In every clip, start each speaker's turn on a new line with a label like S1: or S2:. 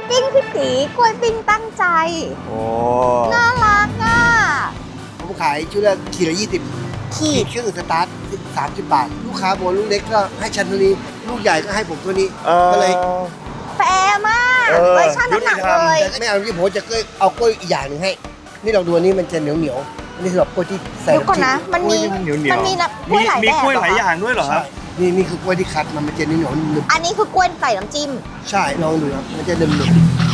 S1: ปิ้งพี่ตีกล้วยปิ้งตั้งใจ
S2: โอ้
S1: น่ารักอ่ะ
S3: ผมขายชุดละขีดละ20
S1: ขีด
S3: เครื่องอื่นสตาร์ท30 บาท ลูกค้าบอกลูกเล็กก็ให้ฉันเท่านี้ลูกใหญ่ก็ให้ผมเท่านี้ก็เลย
S1: แฟร์มาก
S2: เออ
S1: เลยชั่งน้ำหนัก
S2: ยุติธรรม
S1: เลย
S3: ไม่เอาที่ผมจะเอากล้วยอีกอย่างหนึ่งให้ นี่เราดูอันนี้มันจะเหนียวเหนียวๆอันนี้สำหรับกล้วยที่ใส่
S1: เดี๋ยวก่อนนะ มันมี
S2: เหนียวๆ
S1: มันมีน้ำกล้วยหลาย
S2: มี
S1: แบบ
S2: กล้วยหลาย
S1: เหร
S2: อย่างด้วยเหรอครับ
S3: นี่คือกล้วยที่คัดมันจะเหนียวเหนียวๆหนึบ
S1: อันนี้คือกล้วยใส่น้ำจิ้ม
S3: ๆใช่ลองดูครับมันจะหนึบหนึบ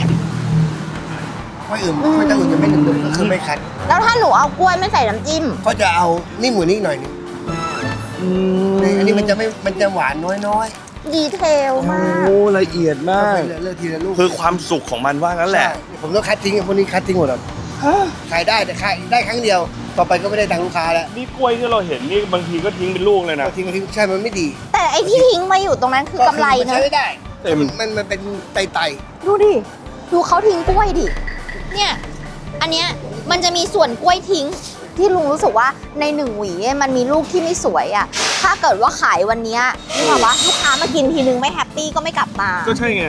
S3: กล้วยอื่นกล้วยตั้งอื่นจะไม่หนึบหนึบก็คือไม่คัด
S1: แล้วถ้าหนูเอากล้วยไม่ใส่น้ำจิ้ม
S3: ก็จะเอานิ่มกว่านี้อีกหน่อยหนึงนี่อันนี้มันจะหวานน้อย
S1: ดีเทลมาก
S2: โอ้ละเอียด
S3: ๆ
S2: มาก
S3: เลือกทีละลูก
S2: คือความสุขของมันว่างั้นแหละ
S3: ใช่ผมต้องคัดทิ้งพวกนี้คัดทิ้งหมดครับขายได้แต่ขายได้ครั้งเดียว ต่อไปก็ไม่ได้ตังค์ลูกค้าแล้ว
S2: นี่กล้วยที่เราเห็นนี่บางทีก็ทิ้งเป็นลูกเลยนะ
S3: ก็ทิ้งก็ทิ้งใช่มันไม่ดี
S1: แต่ไอ้ที่ทิ้งมาอยู่ตรงนั้นคือกำไร
S3: มั
S1: นะ
S3: ใช้ไม่ได้
S2: เต็ม
S3: มันเป็นไต
S1: ดูดิ ดูเขาทิ้งกล้วยดิ เนี่ย อันเนี้ยมันจะมีส่วนกล้วยทิ้ง ที่ลุงรู้สึกว่าในหนึ่งหวีมันมีลูกที่ไม่สวยอ่ะ ถ้าเกิดว่าขายวันเนี้ยนี่แบบว่าลูกค้ามากินทีนึงไม่แฮปปี้ก็ไม่กลับมา
S2: ก็ใช่ไง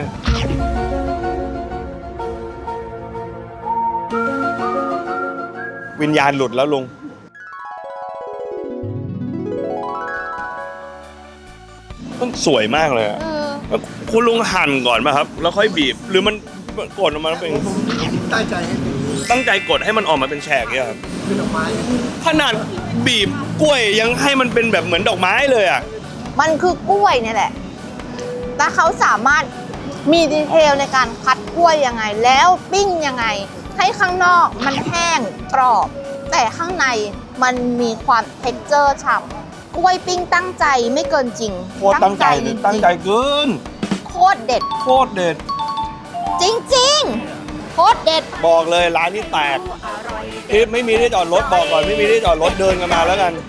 S2: วิญญาณหลุดแล้วลุง มันสวยมากเลยอะ
S1: เออ
S2: แล้วคุณลุงหั่นก่อนป่ะครับ แล้วค่อยบีบ หรือมันกดออกมาเป็น
S3: ๆตั้งใจให้เป็น
S2: ตั้งใจกดให้มันออกมาเป็นแฉกเนี่ยครับ
S3: เป็นดอกไม้
S2: ขนาดบีบกล้วยยังให้มันเป็นแบบเหมือนดอกไม้เลยอ่ะ
S1: มันคือกล้วยเนี่ยแหละ แต่เขาสามารถมีดีเทลในการคัดกล้วยยังไง แล้วปิ้งยังไง ให้ข้างนอกมันแห้งกรอบ แต่ข้างในมันมีความเท็กเจอร์ฉ่ำกล้วยปิ้งตั้งใจไม่เกินจริง
S2: โคตรตั้งใจเลย
S1: ริๆ
S2: ตั้งใจเกิน
S1: โคตรเด็ด
S2: โคตรเด็ด
S1: จริงๆ โคตรเด็ด
S2: บอกเลยร้านนี้แตกไม่มีที่จอดรถบอกก่อนไม่มีที่จอดรถเดินกันมาแล้วกัน